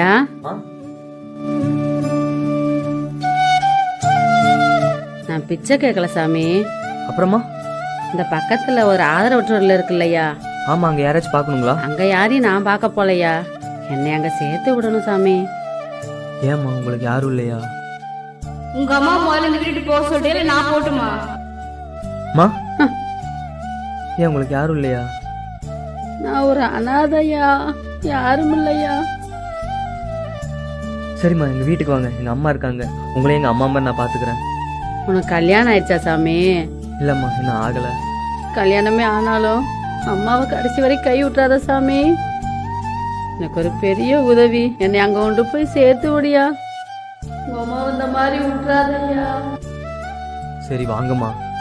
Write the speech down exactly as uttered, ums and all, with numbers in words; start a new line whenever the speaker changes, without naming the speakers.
ஐயா, நான் பிச்சை கேட்கல சாமி.
அப்புறமா
இந்த பக்கத்துல ஒரு ஆதரவற்றூர்ல இருக்குல்லையா,
ஆமா, அங்க யாராச்சும் பாக்கணுங்களா?
அங்க யாரையும் நான் பார்க்க போலையா, என்னை அங்க சேர்த்து விடணும் சாமி.
ஏமா உங்களுக்கு யாரும் இல்லையா?
உங்க அம்மா முதல்ல இந்த வீட்டு போக சொல்லிட்டு நான் போட்டுமா?
மா ஏன் உங்களுக்கு யாரும் இல்லையா?
நான் ஒரு அனாதையா, யாரும் இல்லையா.
சரிம்மா, எங்க வீட்டுக்கு வாங்க, எங்க அம்மா இருக்காங்க. உங்களையும் எங்க அம்மா மாதிரி நான் பாத்துக்கிறேன்.
உனக்கு கல்யாணம் ஆயிடுச்சா சாமி?
இல்லம்மா, இன்னும் ஆகல.
கல்யாணமே ஆனாலும் அம்மாவை கடைசி வரை கை விட்டுறாத சாமி. எனக்கு ஒரு பெரிய உதவி, என்னை அங்க கொண்டு போய் சேர்த்து விடியா. உங்க அம்மா இந்த மாதிரி விட்டுறாதையா.
சரி வாங்கம்மா.